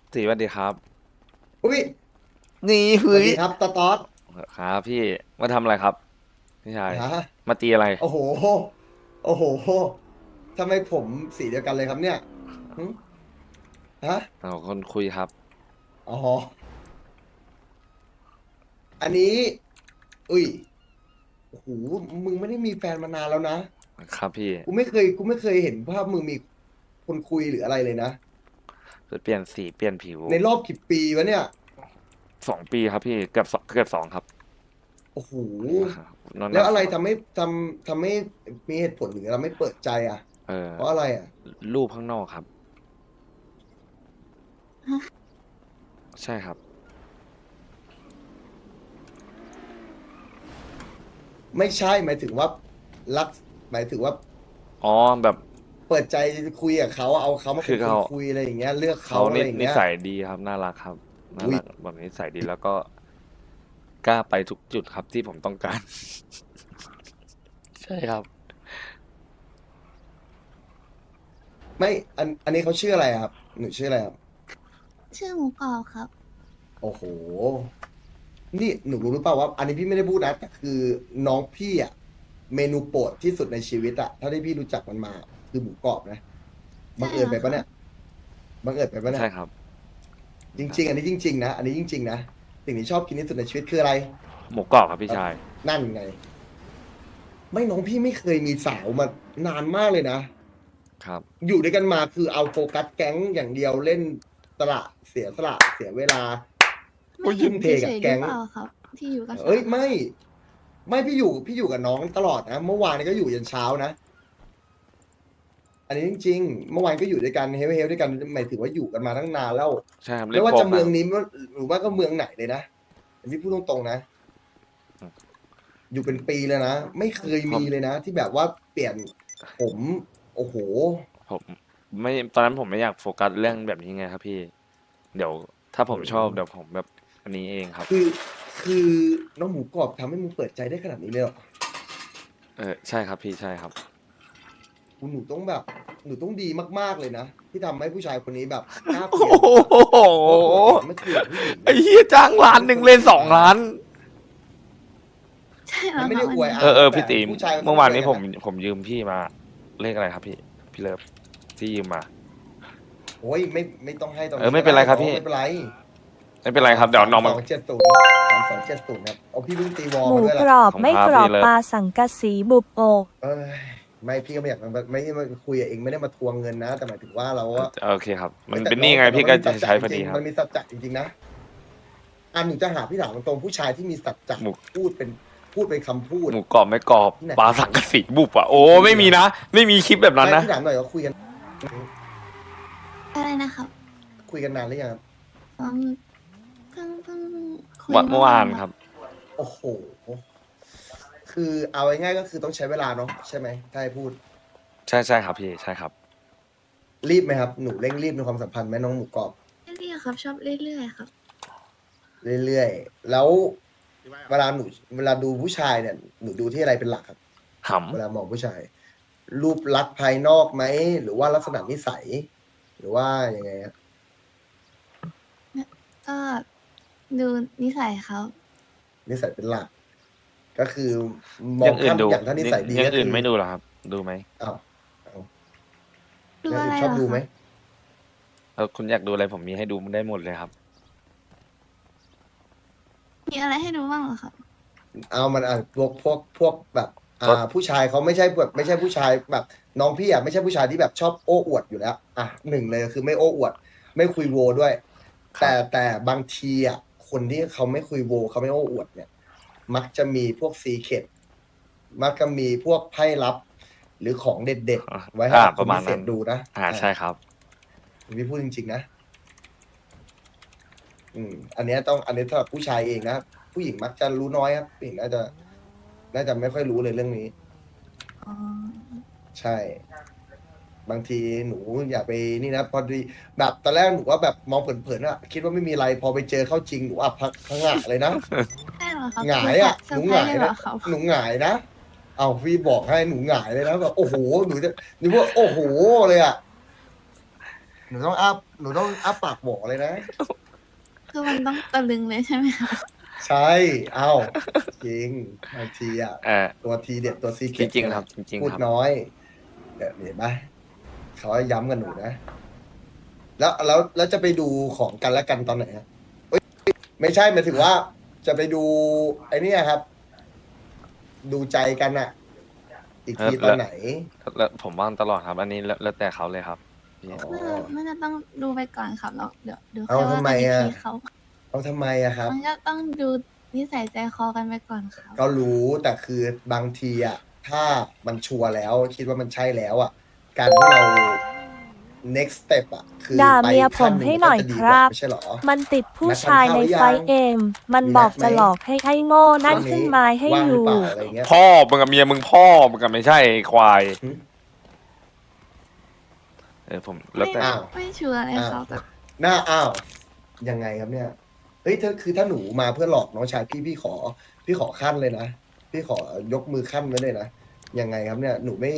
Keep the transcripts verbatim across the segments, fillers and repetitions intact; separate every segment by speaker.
Speaker 1: ตีสวัสดีครับ
Speaker 2: อุ้ย
Speaker 1: นี่
Speaker 2: สวั
Speaker 1: เฮ้ย
Speaker 2: สดีครับตาตอส
Speaker 1: ครับพี่มาทำอะไรครับพี่ชาย
Speaker 2: ฮะ
Speaker 1: มาตีอะไร
Speaker 2: โอ้โหโอ้โหทำไมผมสีเดียวกันเลยครับเนี่ยหึฮะ
Speaker 1: เอาคนคุยครับ
Speaker 2: อ๋ออันนี้อุ้ยโอ้โหมึงไม่ได้มีแฟนมานานแล้วนะครับ
Speaker 1: พี่
Speaker 2: กูไม่เคยกูไม่เคยเห็นภาพมึงมีคนคุยหรืออะไรเลยนะ
Speaker 1: เปลี่ยนสีเปลี่ยนผิว
Speaker 2: ในรอบกี่ปีวะเนี่ย
Speaker 1: สองปีครับพี่เกือบสองเกือบสองครับ
Speaker 2: โอ้โห
Speaker 1: นอน
Speaker 2: แล้วอะไร
Speaker 1: นับสอง
Speaker 2: ทำให้ทำทำให้มีเหตุผลหรือเราไม่เปิดใจอ่ะ
Speaker 1: เออ
Speaker 2: เพราะอะไรอ่ะ
Speaker 1: รูปข้างนอกครับใช่ครับ
Speaker 2: ไม่ใช่หมายถึงว่ารักหมายถึงว่า
Speaker 1: อ๋อแบบ
Speaker 2: เปิดใจคุยกับเขาเอาเขามาเป็นคน
Speaker 1: คือเขา
Speaker 2: คุยอะไรอย่างเงี้ยเลือกเขา
Speaker 1: เขานิ
Speaker 2: อะไรอย่างเงี้ย
Speaker 1: นิสัยดีครับน่ารักครับน่า
Speaker 2: อุ้ย
Speaker 1: รักแบบนิสัยดีแล้วก็กล้าไปทุกจุดครับที่ผมต้องการใช่ครับ
Speaker 2: ไม่อันอันนี้เขาชื่ออะไรครับหนูชื่ออะไรครับ
Speaker 3: ชื่อหมูกรอบครับ
Speaker 2: โอ้โหนี่หนูรู้หรือเปล่าว่าอันนี้พี่ไม่ได้พูดนะแต่คือน้องพี่อ่ะเมนูโปรดที่สุดในชีวิตอ่ะเท่าที่พี่รู้จักมันมาคือหมูกรอบนะบั
Speaker 3: ใช่
Speaker 2: งเอิ
Speaker 3: เหรอครับ
Speaker 2: ญไปปะเนี่ยบังเอิญไปปะเนี่ย
Speaker 1: ใช่ครับ
Speaker 2: จริงๆอันนี้จริงๆนะอันนี้จริงๆนะสิ่งที่ชอบกินที่สุดในชีวิตคืออะไร
Speaker 1: หมูกรอบครับพี่
Speaker 2: ครับ
Speaker 1: ชาย
Speaker 2: นั่นไงไม่น้องพี่ไม่เคยมีสาวมานานมากเลยนะ
Speaker 1: ครับ
Speaker 2: อยู่ด้วยกันมาคือเอาโฟกัสแก๊งอย่างเดียวเล่นสละเสียสละเสียเวลา
Speaker 3: ไม่เห็น
Speaker 2: ทุ่มเท
Speaker 3: เฉ
Speaker 2: กับ
Speaker 3: ยๆหรือ
Speaker 2: แก๊ง
Speaker 3: เปล่าครับที่อยู่กับสาว
Speaker 2: เอ้ยไม่ไม่พี่อยู่พี่อยู่กับน้องตลอดนะเมื่อวานนี้ก็อยู่ยันเช้านะอันนี้จริงๆเมื่อวานก็อยู่ด้วยกันเฮลเฮลด้วยกันหมายถึงว่าอยู่กันมาตั้งนานแล้ว
Speaker 1: ใช่ครับ
Speaker 2: ไม่ว่า
Speaker 1: เล่นโป๊กนะ
Speaker 2: จะเมืองนี้หรือว่าก็เมืองไหนเลยนะอันนี้พูดตรงๆนะอยู่เป็นปีเลยนะไม่เคย
Speaker 1: ผม
Speaker 2: มีเลยนะที่แบบว่าเปลี่ยนผมโอ้โห
Speaker 1: ผมไม่ตอนนั้นผมไม่อยากโฟกัสเรื่องแบบนี้ไงครับพี่เดี๋ยวถ้าผมชอบเดี๋ยวผมแบบอันนี้เองครับ
Speaker 2: คือคือน้องหมูกรอบทำให้มึงเปิดใจได้ขนาดนี้เลยเหรอ
Speaker 1: เออใช่ครับพี่ใช่ครับ
Speaker 2: หนูต้องแบบหนูต้องดีมากๆเลยนะที่ทำให้ผู้ชายคนนี้แบบกล้า
Speaker 1: โอ้
Speaker 2: คุยกับหนูอะ
Speaker 1: โห
Speaker 2: เพราะปกติมันไม่คุยกับผู้หญิง
Speaker 1: ไอ้เหี้ยจ้างล้านหนึ่งเล่นสองล้าน
Speaker 3: ใช่เหร
Speaker 2: มันไม่
Speaker 3: อครับอันนี้
Speaker 2: ได้อวยอา
Speaker 1: เออเออ
Speaker 2: แต่
Speaker 1: พี่ตี
Speaker 2: ผู้ชายเขา
Speaker 1: เมื่อวานนี้ผม
Speaker 2: คุยกันอะ
Speaker 1: ผมยืมพี่มาเลขอะไรครับพี่พี่เลิฟที่ยืมมา
Speaker 2: โอ้ยไม่ไม่ต้องให้ตอน
Speaker 1: เออไม่
Speaker 2: นี้ก็ได้
Speaker 1: เป็นไรครับพี่
Speaker 2: น้องไม่เป็นไร
Speaker 1: ไม่เป็นไรครับเดี๋ยว
Speaker 2: สาม
Speaker 1: น้องมัน
Speaker 2: สองเจ็ดศูนย์สามสองเจ็ดศูนย์ครับเอาพี่เพิ่งตีวอล
Speaker 4: หมู
Speaker 2: มาด้วยแหละ
Speaker 4: กรอบ
Speaker 1: ผม
Speaker 4: ไม่
Speaker 1: พาก
Speaker 4: รอบ
Speaker 1: พี่เลิฟ
Speaker 4: ปลาสังกะสีบุบอก
Speaker 2: เอ้ยไม่พี่ก็ไม่อยากมาไม่ไม่คุยกับเองไม่ได้มาทวงเงินนะแต่หมายถึงว่าเราว่า
Speaker 1: โอเคครับมัน
Speaker 2: แต่
Speaker 1: เป็นห
Speaker 2: น้องแต่น้อง
Speaker 1: นี้ไงพี่
Speaker 2: มันมีสัจจะ
Speaker 1: ก็จะใช้
Speaker 2: จริงๆ
Speaker 1: พอดีครับ
Speaker 2: มันมีสัจจะจริงๆนะอันหนูจะหาพี่ถามตรงๆผู้ชายที่มีสัจจะ
Speaker 1: หมู
Speaker 2: พูดเป็นพูดเป็นคำพูด
Speaker 1: หมูกรอบไม่กรอบ
Speaker 2: ที่ไหน
Speaker 1: ปลาสังกะสีบุบอ่ะโอ้ไม่มีนะไม่มีคลิปแบบนั้น
Speaker 2: ไม่
Speaker 1: นะ
Speaker 2: พี่ถามหน่อยว่าคุยกัน
Speaker 3: อะไรนะครับ
Speaker 2: คุยกันนานหรือยังครับ
Speaker 3: อืมเพิ่งเพิ่งคุย
Speaker 1: วันเมื่อวานครับ
Speaker 2: โอ้โห คือเอาง่ายๆก็คือต้องใช้เวลาเนาะใช่ไหมถ้าให้พูด
Speaker 1: ใช่ใช่ครับพี่ใช่ครับ
Speaker 2: รีบไหมครับ หนูเร่งรีบในความสัมพันธ์ไหมน้องหมูกรอบ
Speaker 3: เรื่อยๆครับชอบเรื่อยๆครับ
Speaker 2: เรื่อยๆ แล้วเวลาหนูเวลาดูผู้ชายเนี่ย หนูดูที่อะไรเป็นหลักครับ
Speaker 1: ห
Speaker 2: เวลามองผู้ชาย รูปลักษณ์ภายนอกไหม หรือว่าลักษณะนิสัย หรือว่ายังไงครับ
Speaker 3: ก็ดูนิสัยเขา
Speaker 2: นิสัยเป็นหลัก ก็คือม
Speaker 1: ำ
Speaker 2: อ
Speaker 1: อง ย่างอื่
Speaker 2: ข้าน ม
Speaker 1: ดู
Speaker 2: อย่างถ้านิสัยดี
Speaker 1: อย่า
Speaker 2: ก็
Speaker 1: ง
Speaker 2: คื
Speaker 1: อื่นไม่ดูเหรอครับ ดูไหม
Speaker 2: อ้าวอ้าว
Speaker 3: ดู
Speaker 2: อย่าง
Speaker 3: อะไร
Speaker 2: อื่น
Speaker 3: เห
Speaker 2: ช
Speaker 3: ร
Speaker 2: อบ
Speaker 3: อ
Speaker 2: ดู
Speaker 3: ค
Speaker 2: ไหม
Speaker 3: รับ
Speaker 1: แล้วคุณอยากดูอะไรผมมีให้ดูได้หมดเลยครับ
Speaker 3: มีอะไรให้ดูบ้างเหรอครับ
Speaker 2: เอามันอ่ะพวกพวกพวกแบบ
Speaker 1: ก็
Speaker 2: อ่า ผู้ชายเขาไม่ใช่แบบไม่ใช่ผู้ชายแบบ น้องพี่อ่ะไม่ใช่ผู้ชายที่แบบชอบโอ้อวดอยู่แล้วอ่ะหนึ่งเลยคือไม่โอ้อวด ไม่คุยโวด้วย
Speaker 1: ครั
Speaker 2: แต่
Speaker 1: บ
Speaker 2: แต่บางทีอ่ะคนที่เขาไม่คุยโวเขาไม่โอ้อวดเนี่ย มักจะมีพวกซีเคร็ตมักจะมีพวกไพ่ลับ หรือของเด็ดๆไว้ให้
Speaker 1: อ่า
Speaker 2: กับ
Speaker 1: ป
Speaker 2: คน
Speaker 1: ระมาณ
Speaker 2: พิเศ
Speaker 1: นั้
Speaker 2: ษ
Speaker 1: น
Speaker 2: ดูนะ
Speaker 1: อ่าใช่ครับ
Speaker 2: พี่พูดจริงๆนะ อืม อันเนี้ยต้องอันนี้สำหรับผู้ชายเองนะผู้หญิงมักจะรู้น้อยครับผู้หญิงน่าจะ น่าจะไม่ค่อยรู้เลยเรื่องนี้
Speaker 3: อ๋อ
Speaker 2: ใช่ บางทีหนูอย่าไปนี่นะพอดีแบบตอนแรกหนูว่าแบบมองเผินๆอะคิดว่าไม่มีอะไรพอไปเจอเข้าจริงหนูอับพักพังงะเลยนะ
Speaker 3: ใช่เหรอครับ
Speaker 2: หงายอะ
Speaker 3: เซ
Speaker 2: ห
Speaker 3: อ
Speaker 2: นู
Speaker 3: ร์ไพ
Speaker 2: ห
Speaker 3: ร
Speaker 2: งา
Speaker 3: ส์
Speaker 2: ย
Speaker 3: เลยเหร
Speaker 2: นะ
Speaker 3: อครับ
Speaker 2: หนูหงายนะเอาพี่บอกให้หนูหงายเลยนะแบบโอ้โหหนูจะหนูว่าโอ้โหเลยอะหนูต้องอ้าหนูต้องอ้าปากบอกเลยนะ
Speaker 3: คือมันต้องตะลึงเลยใช่ไหมคะ
Speaker 2: ใช่ เอ้า จริงบางทีอ่ะ
Speaker 1: เออ
Speaker 2: ตัวทีเด็ดตัวซีเก
Speaker 1: จริงๆครับจริงๆ
Speaker 2: พูด
Speaker 1: ครับ
Speaker 2: น้อยเดี๋ยวเห็นไหมเขาย้ำกันหนูนะ แล้วแล้วแล้วจะไปดูของกันและกันตอนไหนฮะเอ้ยไม่ใช่หมายถึงว่า จะไปดู ไอ้เนี่ยครับ ดูใจกันอะอีกทีตอนไหน
Speaker 1: แล้วผมว่างตลอดครับ อันนี้แล้วแล้วแต่เขาเลยครับพี่
Speaker 2: อ๋อ
Speaker 3: ไม่ไม่จะต้องดูไปก่อนครับแล้วเดี๋ยวเดี๋ยว
Speaker 2: เอา
Speaker 3: ค่อยว่า
Speaker 2: ทำไม
Speaker 3: กันอีก
Speaker 2: อะ
Speaker 3: ทีเขา
Speaker 2: เอาทำไมอะครับ
Speaker 3: มันก็ต้องดูนิสัยใจคอกันไปก่อนครับ
Speaker 2: ก็รู้แต่คือบางทีอะถ้ามันชัวร์แล้ว คิดว่ามันใช่แล้วอะการที่เรา next step อะคือ
Speaker 4: ด่า
Speaker 2: ไป
Speaker 4: เมียผม
Speaker 2: ขั้นง
Speaker 4: ให้หน่อย
Speaker 2: ก็จะดี
Speaker 4: ค
Speaker 2: กว่า
Speaker 4: รับ
Speaker 2: ไม่ใช่เหรอ
Speaker 4: มันติดผู้
Speaker 2: นัดทาน
Speaker 4: ชายใน
Speaker 2: ข้าวหรือยัง
Speaker 4: ไฟเอ็ม มัน
Speaker 2: มี
Speaker 4: บอก
Speaker 2: นัดไหม
Speaker 4: จะหลอกให้ให้โง่นั่น
Speaker 2: พรุ่ง
Speaker 4: ขึ้นไม้ให้
Speaker 2: ว่าง
Speaker 4: อ
Speaker 2: หรือยู่ เปล่าอะไรเงี้ย
Speaker 1: พ่อมึงกับเมียมึงพ่อมึงกับไม่ใช่ไอ้ควาย
Speaker 2: หึ
Speaker 1: เออผมแล้วแต่
Speaker 3: ไม่
Speaker 2: อ้าว
Speaker 3: ไม่ชัวร์เลยครับแต่
Speaker 2: หน้าอ้าวยังไงครับเนี่ยเฮ้ยถ้าคือถ้าหนูมาเพื่อหลอกน้องชายพี่พี่ขอ พี่ขอขั้นเลยนะพี่ขอยกมือขั้นไว้เลยนะยังไงครับเนี่ย หนูไม่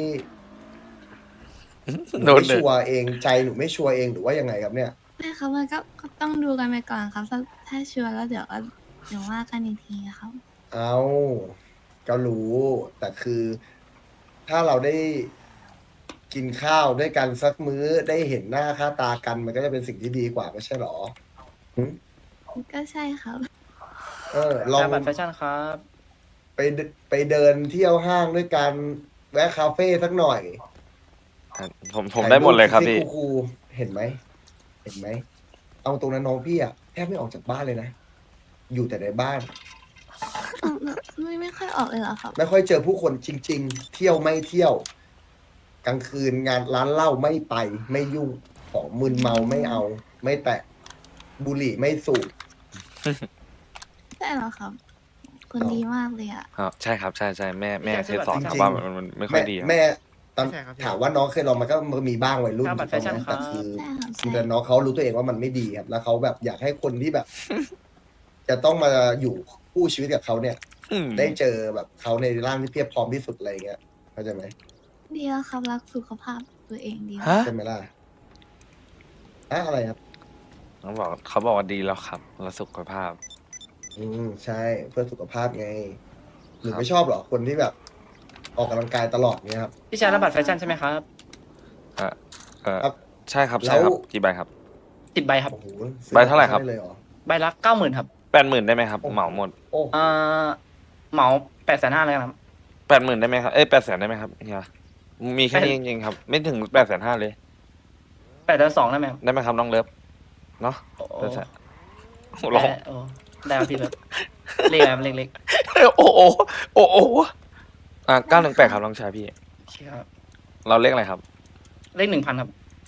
Speaker 2: หนู
Speaker 1: โดน
Speaker 2: ไม่
Speaker 1: เลย
Speaker 2: ชัวร์เองใจหนูไม่ชัวร์เองหรือว่ายังไงครับเนี่ย
Speaker 3: ไม่ครับมันก็ก็ต้องดูกันไปก่อนครับถ้าถ้าชัวร์แล้วเดี๋ยวก็เดี๋ยวว่ากันอีกทีครับ
Speaker 2: เอาก็รู้ แต่คือถ้าเราได้กินข้าวด้วยกันสักมื้อได้เห็นหน้าค่าตากัน มันก็จะเป็นสิ่งที่ดีกว่าไม่ใช่หรอหึ
Speaker 3: ก็ใช่ครับ
Speaker 2: เออลอง
Speaker 5: บัตรแฟชั่นครับ
Speaker 2: ไปเดไปเดินเที่ยวห้างด้วยกันแวะคาเฟ่สักหน่อย
Speaker 1: ผมผมได้หมดเลยครับพี่
Speaker 2: ถ่าปคูลๆเห็นไหมเห็นไหมเอาตรงนั้นน้องพี่อะแทบไม่ออกจากบ้านเลยนะอยู่แต่ในบ้าน
Speaker 3: ไม่ไม่ค่อยออกเลยเหรอครับ
Speaker 2: ไม่ค่อยเจอผู้คนจริง ๆ เที่ยวไม่เที่ยว กลางคืนงานร้านเหล้าไม่ไป ไม่ยุ่งของมึนเมาไม่เอา ไม่แตะบุหรี่ไม่สูบ
Speaker 3: ใช่เหรอครับคนดีมากเลยอ่ะ
Speaker 1: ครับใช่ครับใช่ใช่แม่แม่
Speaker 5: ไม่
Speaker 1: เค
Speaker 5: ใช่
Speaker 1: ยสอน
Speaker 2: จริงๆ
Speaker 1: ครับว่ามันมันไม่ค่อยดีครับ
Speaker 2: แม่ตอน
Speaker 5: ใช่ครับพี่
Speaker 2: ถามว่าน้องเคยลองมันก็มีบ้างวัยรุ่น
Speaker 5: ครับบัตรแฟชั่น
Speaker 2: ถูกต้องไหม
Speaker 5: ครับ
Speaker 2: แต่คือ
Speaker 3: ใช่ครับ
Speaker 2: คือ
Speaker 3: ใช่
Speaker 2: แต่น้องเขารู้ตัวเองว่ามันไม่ดีครับ แล้วเขาแบบอยากให้คนที่แบบ จะต้องมาอยู่คู่ชีวิตกับเขาเนี่ย
Speaker 1: อืม
Speaker 2: ได้เจอแบบเขาในร่างที่เพียบพร้อมที่สุดอะไรเงี้ยเข้าใจไหม
Speaker 3: ดีแล้วครับรักสุขภาพตัวเองดี
Speaker 1: ฮะ
Speaker 2: ใช่ไหมล่ะอะอะไรครับ
Speaker 1: เขาบอกเขาบอกว่าดีแล้วครับแล้วสุขภาพ
Speaker 2: อืมใช่เพื่อสุขภาพไงหนู
Speaker 1: ครับ
Speaker 2: ไม่ชอบเหรอคนที่แบบ ออกกำลังกายตลอดเนี่ยครับ
Speaker 5: พี่ชายรับบัตรแฟชั่นใช่ไหมครับ
Speaker 1: เออเออ
Speaker 2: ครับ
Speaker 1: ใช่ครับใช่ครับ
Speaker 2: แล้ว
Speaker 1: กี่ใบครับ
Speaker 5: สิบใบครับ
Speaker 2: โอ้โหซื้อ
Speaker 1: ใบเท่าไหร่ครับ
Speaker 2: ด้เลยเหรอ
Speaker 5: ใบละเก้าหมื่นครับ
Speaker 1: แปดหมื่นได้ไหมครับเหมาหมด
Speaker 2: โอ้
Speaker 5: อ่าเหมาแปดแสนห้าเลยครับ
Speaker 1: แปดหมื่นได้ไหมครับเอ้ยแปดแสนได้ไหมครับเฮียมีแค่นี้จริงๆครับ ไม่ถึงแปดแสนห้าเลย
Speaker 5: แปดแสนสองได้ไหมครับ
Speaker 1: ได้ไหมครับน้องเลิฟเนาะ
Speaker 5: โอ้โห
Speaker 1: แปดแสนโอ้โหร้อง
Speaker 5: ได้โอ้ได้ครับพี่แบบเล็กครับเล็ก
Speaker 1: โอ้โหโอ้โหอ่าเก้าหนึ่งแปดครับน้องชายพี่
Speaker 5: ๆเชื่อครับ
Speaker 1: เราเลขอะไรครับ
Speaker 5: เลขหนึ่งพันครับ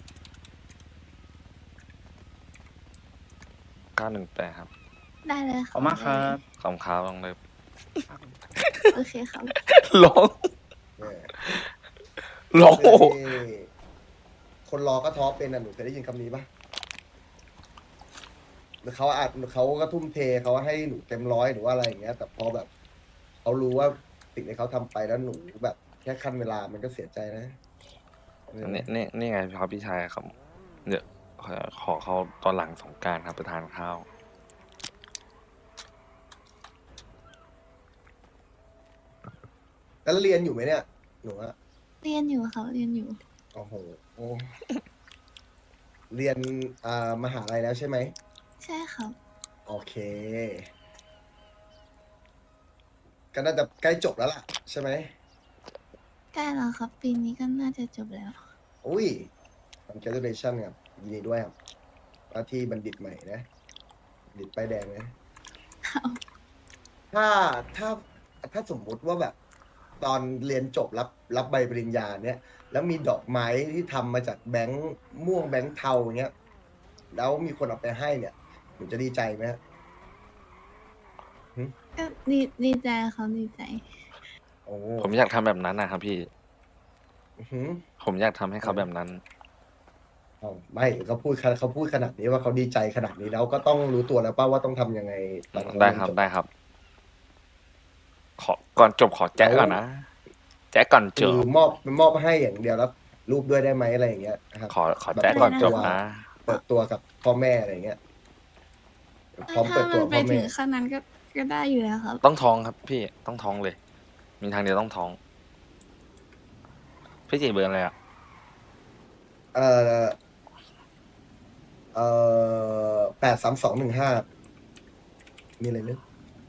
Speaker 1: เก้าหนึ่งแปดครับ
Speaker 3: ได้เลย
Speaker 5: ขอบคุณมากครับ
Speaker 1: ขอบคุณครับน้องเลิฟ
Speaker 3: โอเคครับ
Speaker 1: ร้อง
Speaker 2: เนี่ย
Speaker 1: ร้องโอ้โห
Speaker 2: คนรอก็ท้อเป็นอ่ะหนูเคยได้ยินคำนี้ปะหรือเขาอาจเขาก็ทุ่มเทเขาให้หนูเต็มร้อยหรือว่าอะไรอย่างเงี้ย แต่พอแบบเขารู้ว่าสิ่งที่เขาทำไปแล้วหนูแบบแค่ขั้นเวลามันก็เสียใจนะ
Speaker 1: นี่นี่นี่ไงครับพี่ชายครับเดี๋ยวขอขอเขาตอนหลังสงกรารครับไปทานข้าว
Speaker 2: แล้วเรียนอยู่ไหมเนี่ยหนูอะ
Speaker 3: เรียนอยู่ครับเรียนอยู่
Speaker 2: โอ้โหโอ้เรียนอ่ามหาลัยแล้วใช่ไหม
Speaker 3: ใช่ครับ
Speaker 2: โอเค ก็น่าจะใกล้จบแล้วล่ะ ใช่ไหม
Speaker 3: ใกล้แล้วครับ ปีนี้ก็น่าจะจบแล้ว
Speaker 2: อุ้ย congratulation ครับยินดีด้วยครับว่าที่บัณฑิตใหม่นะบัณฑิตป้ายแดงนะ ถ้าถ้าถ้าสมมุติว่าแบบ ตอนเรียนจบรับรับใบปริญญาเนี่ย แล้วมีดอกไม้ที่ทำมาจากแบงค์ม่วงแบงค์เทาอย่างเงี้ย แล้วมีคนเอาไปให้เนี่ยหนูจะดีใจไหมฮะ
Speaker 3: ก็ดีดีใจครับดีใจ
Speaker 2: โอ้
Speaker 1: ผมอยากทำแบบนั้นนะครับพี่
Speaker 2: อื้อหือ
Speaker 1: ผมอยากทำให้เขาแบบนั้น
Speaker 2: อ้าวไม่เขาพูดขนาดเขาพูดขนาดนี้ว่าเขาดีใจขนาดนี้แล้วก็ต้องรู้ตัวแล้วป่าว่าต้องทำยังไงตอนเขา
Speaker 1: ได้ครับ
Speaker 2: เยนจ
Speaker 1: ได้ครับ ขอก่อนจบขอแจ๊กก่อนนะแจ๊กก่อนจ
Speaker 2: คือบ มอบมอบให้อย่างเดียวแล้วรูปด้วยได้ไหมอะไรอย่างเงี้ยนะครับ
Speaker 1: ขอขอแจ้งก่อนจบนะ
Speaker 2: เปิดตัวกับพ่อแม่อะไรอย่างเงี้ยพร้อม
Speaker 3: ถ้า
Speaker 2: เปิด
Speaker 3: มั
Speaker 2: ตัวน
Speaker 3: ไป
Speaker 2: พ่อ
Speaker 3: ถึ
Speaker 2: แม่
Speaker 3: งขั้นนั้นก็ก็ได้อยู่แล้วครับ
Speaker 1: ต้องท้องครับพี่ต้องท้องเลย มีทางเดียวต้องท้อง พี่จีเบอร์อะไรอ่ะ
Speaker 2: เอ่อเอ่อแปดสามสองหนึ่งห้ามีอะไรนึก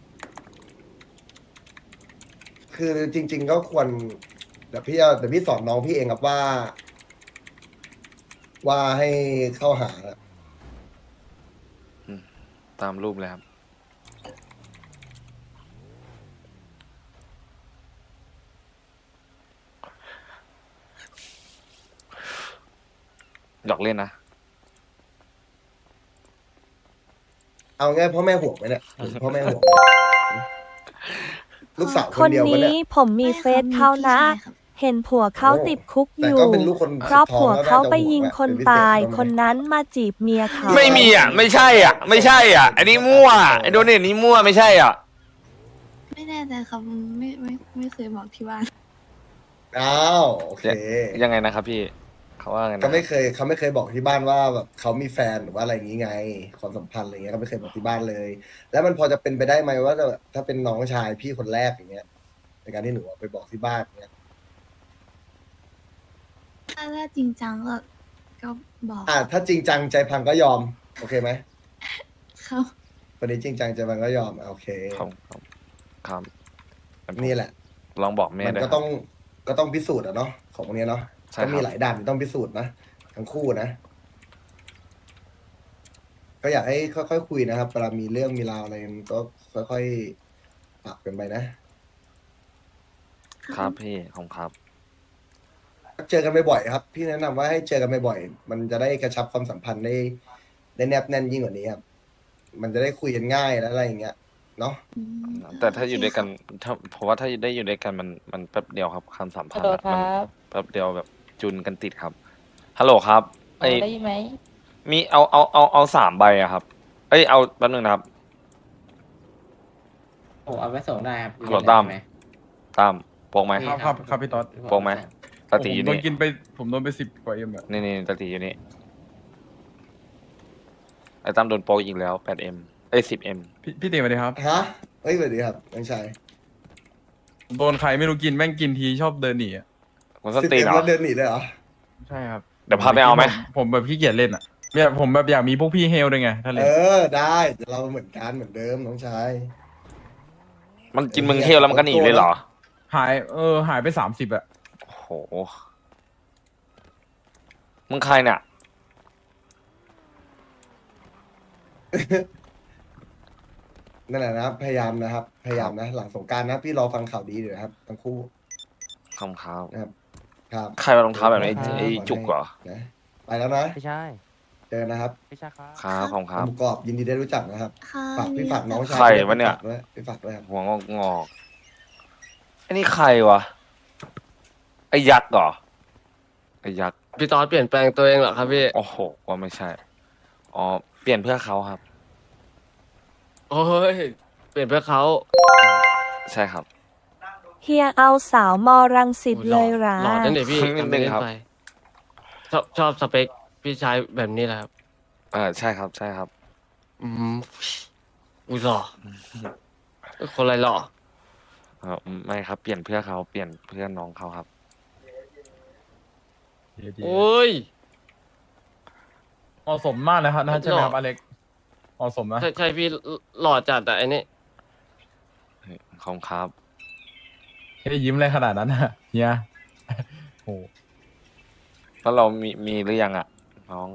Speaker 2: คือจริง ๆ ก็ควรเดี๋ยวพี่เอาเดี๋ยวพี่สอนน้องพี่เองครับว่า ว่าให้เข้าหาน่ะ
Speaker 1: ตามรูปเลยครับ หยอกเล่นนะ
Speaker 2: เอาง่ายพ่อแม่ห่วงไหมเนี่ยพ่อแม่ห่วงไหมลูกสาวค
Speaker 4: คน น
Speaker 2: เดียวปะ
Speaker 4: นี้
Speaker 2: เนี่ย
Speaker 4: ผมมี
Speaker 3: ไม่
Speaker 4: เฟ
Speaker 3: ครับ
Speaker 4: ซเขานะ
Speaker 3: มีพี่ชายครับ
Speaker 4: เห็นผัวเขาติดคุกอ
Speaker 2: แต่
Speaker 4: ยู่
Speaker 2: ก็เป็นลูกคน
Speaker 4: เพราะผัวเขาไป
Speaker 2: สุดท้อง
Speaker 4: ยิง
Speaker 2: แล้ว
Speaker 4: คน
Speaker 2: น่าจะห่วงแหละ
Speaker 4: ตาย
Speaker 2: เป็นพิเศษ
Speaker 4: คนนั้นมาจีบเมียเขา
Speaker 1: ไม่มีอ่ะ ไม่ใช่อ่ะ ไม่ใช่อ่ะ อันนี้มั่วไอโดนเนี่ยนี้มั่วไม่ใช่อ่ะ
Speaker 3: ไม่แน่ใจครับไม่ไม่ไม่เคยบอกที่บ้าน
Speaker 2: อ้าวโอเค
Speaker 1: ยังไงนะครับพี่ เขาว่าไงนะ
Speaker 2: ก็ไม่เคยเขาไม่เคยบอกที่บ้านว่าแบบเขามีแฟนหรือว่าอะไรอย่างนี้ไง ความสัมพันธ์อะไรเงี้ยก็ไม่เคยบอกที่บ้านเลย แล้วมันพอจะเป็นไปได้ไหมว่าจะถ้าเป็นน้องชายพี่คนแรกอย่างเงี้ยในการที่หนูเอาไปบอกที่บ้านเงี้ย
Speaker 3: ถ้าถ้าจริงจังก็ก็บอก
Speaker 2: อ่ะถ้าจริงจังใจพังก็ยอมโอเคไหม
Speaker 3: ครับ
Speaker 2: วันนี้จริงจังใจพังก็ยอมอ่ะโอเค
Speaker 1: ครับครับครับ
Speaker 2: นี่แหละ
Speaker 1: ลองบอกแม่
Speaker 2: มัน
Speaker 1: ด้วย
Speaker 2: ก็
Speaker 1: ครั
Speaker 2: ต้อบ งก็ต้องพิสูจน์อะเนาะของพวกเนี้ยเนาะ
Speaker 1: ใช่
Speaker 2: ก็มี
Speaker 1: ครับ
Speaker 2: หลายด่านที่ต้องพิสูจน์นะทั้งคู่นะ ก็อยากให้ค่อยๆคุยนะครับเวลามีเรื่องมีราวอะไรมันก็ค่อยๆปรับกันไปนะ
Speaker 1: ครับพี่ของครับ
Speaker 2: เจอกันบ่อยๆครับ พี่แนะนำว่าให้เจอกันบ่อยๆมันจะได้กระชับความสัมพันธ์ได้ได้แนบแน่นยิ่งกว่านี้ครับมันจะได้คุยกันง่ายและอะไรอย่างเงี้ยเนาะ
Speaker 3: อืม
Speaker 1: แต่ถ้าอยู่
Speaker 3: โเค
Speaker 1: ด้วยกัน
Speaker 3: ครับ
Speaker 1: ถ้าเพราะว่าถ้าได้อยู่ด้วยกันมันมันแป๊บเดียวครับความสัมพันธ์อะมันแป๊บเดียวแบบจุนกันติดครับฮัลโหลครับไอ
Speaker 6: ได้ยินไหม
Speaker 1: มีเอาเอาเอาเอาสามใบอะครับ เอ้ยเอาแป๊บนึงนะครับ
Speaker 6: โอ้เอาไปส่งได้ครับ
Speaker 1: ฮัลโหลตั้ม
Speaker 6: ไหม
Speaker 1: ตามโปกไหม
Speaker 7: ครับครับครับพี่ต๊อด
Speaker 1: โปกไหมตาตีอยู่
Speaker 7: ผมโดน
Speaker 1: นี่
Speaker 7: กินไปผมโดนไปสิบกว่าเอ็มอะ
Speaker 1: นี่นี่ตาตีอยู่นี่ไอ้ตั้มโดนโปกอีกแล้วแปดเอ็มเอ้ยสิบเอ็ม
Speaker 7: พี่พี่เต๋อสวัสดีครับ
Speaker 2: ฮะเฮ้ยสวัสดีครับน้องชาย
Speaker 7: ผมโดนใครไม่รู้กินแม่งกินทีชอบเดินหนีอะ
Speaker 1: คนส
Speaker 2: สิบ
Speaker 1: ติ
Speaker 2: เอ็ม
Speaker 1: เหรอ
Speaker 2: แล้วเดินหนีเลยเหรอ
Speaker 7: ใช่ครับ
Speaker 1: เดี๋ยวพาไปเอาไหม
Speaker 7: ผผมแบบขี้เกียจเล่นอะเนี่ยผมแบบอยากมีพวกพี่เฮลด้วยไงถ้าเล่
Speaker 2: เอน อได้เราเหมือนกันเหมือนเดิมน้องชาย
Speaker 1: มันกินมึงเที่ยวแล้วมันก็หนีเลยเหรอ
Speaker 7: หายเออหายไปสามสิบอะ
Speaker 1: โอ้โหมึงใครเนี่ย
Speaker 2: นั่นแหละนะครับพยายามนะครับ พยายามนะ หลังสงกรารนะ พี่รอฟังข่าวดีอยู่นะครับทั้งคู่
Speaker 1: คำครับ
Speaker 2: นะครับ ครับ
Speaker 1: ใครมารองเท้าแบบนี้ไอ้ไอ้จุกเหรอ
Speaker 2: นะไปแล้วนะ
Speaker 8: ไม่ใช่
Speaker 2: เจอกันนะครับ
Speaker 8: ไม่ใช่ครับ
Speaker 1: ครับของครับ
Speaker 2: หมูกรอบยินดีได้รู้จักนะครับ
Speaker 3: ค่ะ
Speaker 2: ฝากพี่ฝากน้องชาย
Speaker 1: ใครวะเนี่ย
Speaker 2: ด้วยพี่ฝากด้วยครับ
Speaker 1: หัวงอกงอกไอ้นี่ใครวะ ไอ้ยักษ์เหรอ ไอ้ยักษ์
Speaker 9: พี่ตอดเปลี่ยนแปลงตัวเองเหรอครับพี่
Speaker 1: โอ้โหว่าไม่ใช่ อ๋อ เปลี่ยนเพื่อเขาครับ
Speaker 9: โอ้ย เปลี่ยนเพื่อเขา
Speaker 1: ใช่ครับ
Speaker 4: เฮียเอาสาวมอรังสิต
Speaker 9: โอ้
Speaker 4: เลยหรา
Speaker 9: หล่อนั่นเดี๋ยวพี่
Speaker 1: นิดนึง
Speaker 9: ทำไปเล่น
Speaker 1: ครับ
Speaker 9: ไปชอบชอบสเปคพี่ชายแบบนี้แหละครับ
Speaker 1: เออใช่ครับ ใช่ครับ
Speaker 9: อืมอุ้ยหล่อคนอะไรหล่อ
Speaker 1: เออไม่ครับ เปลี่ยนเพื่อเขา เปลี่ยนเพื่อน้องเขาครับ
Speaker 7: ดี
Speaker 9: โอ้ย
Speaker 7: เหมาะสมมากนะครับนะใช่ไหมครับ
Speaker 9: หล่อ
Speaker 7: อเล็กเหมาะสมนะ
Speaker 9: ใช่ใช่พี่หล่อจัดแต่อันนี้
Speaker 1: ของครับ
Speaker 7: แค่ยิ้มอะไรขนาดนั้นอะเฮียโอ้
Speaker 1: แล้วเรามีมีหรือยังอ่ะ น้อง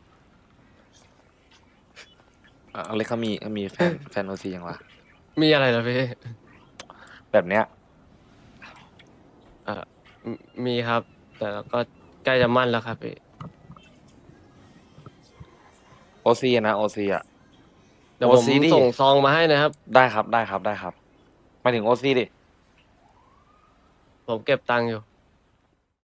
Speaker 1: เอ่อเอาเลยเขามีเขามีแฟน แฟนโอซียังวะ
Speaker 9: มีอะไรเหรอพี่
Speaker 1: แบบเนี้ย
Speaker 9: เอ่อมมีครับ แต่ก็ใกล้จะมั่นแล้วครับพี่
Speaker 1: โอซีนะโอซีอ่ะ
Speaker 9: เดี๋ยวผม
Speaker 1: โอ ซี ดิ
Speaker 9: ส่งซองมาให้นะครับ
Speaker 1: ได้ครับ ได้ครับ ได้ครับหมายถึงโอซีดิ
Speaker 9: ผมเก็บตังค์อยู่